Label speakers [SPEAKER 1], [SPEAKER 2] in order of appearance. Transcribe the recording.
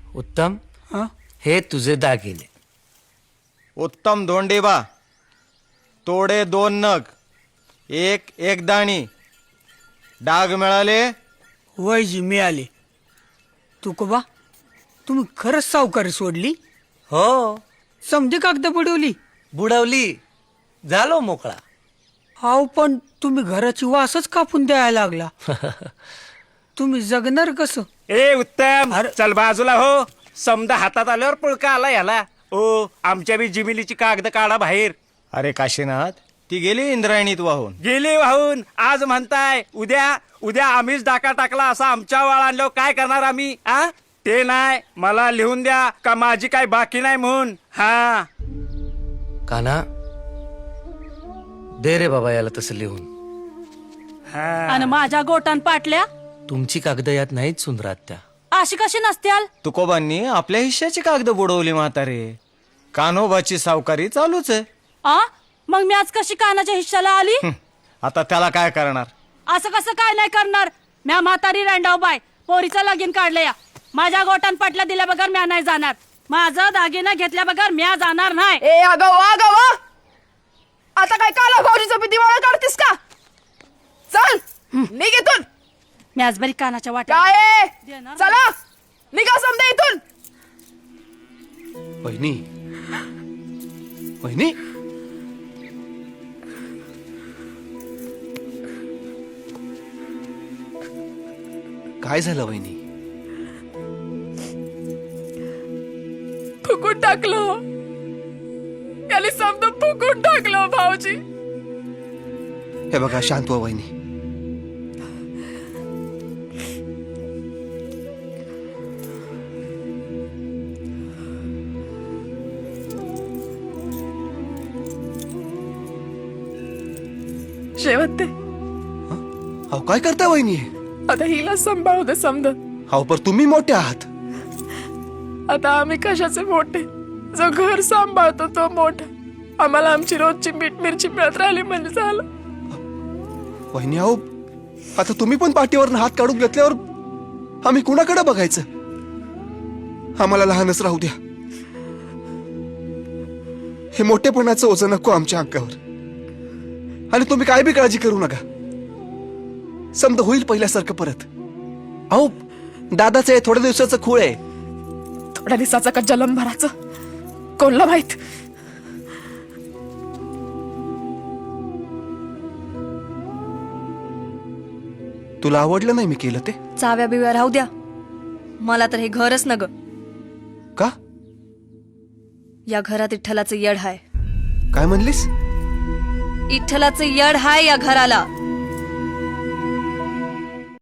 [SPEAKER 1] उत्तम
[SPEAKER 2] हा?
[SPEAKER 1] हे तुझे दागिने.
[SPEAKER 3] उत्तम धोंडेबा, तोडे 2 नग, एक दाणी. डाग मिळाले?
[SPEAKER 2] वयजी मिळाले. तुकोबा, तुम्ही खरंच सावकारी सोडली?
[SPEAKER 1] हो,
[SPEAKER 2] समधी कागद बुडवली?
[SPEAKER 1] बुडवली, झालो मोकळा.
[SPEAKER 2] हाव, पण तुम्ही घराची वासच कापून द्यायला लागला. तुम्ही जगणार कसं?
[SPEAKER 4] ए उत्तम,
[SPEAKER 2] अरे.
[SPEAKER 4] चल बाजूला हो. समजा हातात आल्यावर पुळका आला याला. ओ, आमच्या बी जिमिलीची कागद काढा बाहेर.
[SPEAKER 3] अरे काशीनाथ, ती गेली इंद्रायणीत वाहून.
[SPEAKER 4] गेली वाहून. आज म्हणताय उद्या आम्हीच डाका टाकला असा आमच्या वाळ आणल्यावर काय करणार आम्ही? आ ते नाही, मला लिहून द्या का माझी काय बाकी नाही म्हणून. हा,
[SPEAKER 1] काना दे रे बाबा याला तसं लिहून.
[SPEAKER 4] हा.
[SPEAKER 5] आणि माझ्या गोटान पाटल्या
[SPEAKER 1] तुमची कागद यात नाहीत सुंदरात त्या.
[SPEAKER 5] अशी कशी नसत्याल?
[SPEAKER 3] तुकोबांनी आपल्या हिश्श्याची कागद बुडवली म्हातारे. कान्होबाची सावकारी चालूच आहे.
[SPEAKER 5] आ मग मी आज कशी कानाच्या हिश्श्याला आली?
[SPEAKER 3] आता त्याला काय करणार?
[SPEAKER 5] असं कसं काय नाही करणार? म्या म्हातारी रांडाव बाय पोरीचं लगीन काढलं या. माझ्या गोटान पाटल्या दिल्या बगर म्या नाही जाणार. माझं दागिना घेतल्या बगर म्या जाणार नाही.
[SPEAKER 6] ए अगं आता काय काला भाऊजीचं भीती मला काढतीस का? चल निघ इथून.
[SPEAKER 5] मी आज बरी कानाच्या वाट्या
[SPEAKER 6] काय आहे?
[SPEAKER 5] देणार
[SPEAKER 6] चला निघा समजा इथून.
[SPEAKER 1] वहिनी, वहिनी, काय झालं वहिनी?
[SPEAKER 6] फुकून टाकलो. याने समजा फुकून टाकलो भाऊजी.
[SPEAKER 7] हे बघा, शांत व्हा वहिनी.
[SPEAKER 6] शेवट ते
[SPEAKER 7] अहो काय करता वहिनी?
[SPEAKER 6] आता हिला सांभाळू दे समजा.
[SPEAKER 7] अहो पर तुम्ही मोठे आहात.
[SPEAKER 6] आता आम्ही कशाचे मोठे? जो घर सांभाळतो तो मोठा. आम्हाला आमची रोजची मीठ मिरची मिळत राहिली म्हणजे झालं.
[SPEAKER 7] वहिनी अहो, आता तुम्ही पण पाठीवर हात काढून घेतल्यावर आम्ही कुणाकडे बघायचं? आम्हाला लहानच राहू द्या. हे मोठेपणाचं ओझं नको आमच्या अंगावर. आणि तुम्ही काय बी काळजी करू नका. समजा होईल पहिल्यासारखं परत. अहो दादाचं हे थोड्या दिवसाचं खूळ आहे.
[SPEAKER 6] थोड्या दिवसाचं का जलमभराचं कोणला माहित.
[SPEAKER 7] तुला आवडलं नाही मी केलं ते?
[SPEAKER 8] चाव्या बिव्या राहू द्या. मला तर हे घरच न ग.
[SPEAKER 7] का?
[SPEAKER 8] या घरात इठ्ठलाचं यड हाय.
[SPEAKER 7] काय म्हणलीस?
[SPEAKER 8] इठ्ठलाचं यड हाय या घराला.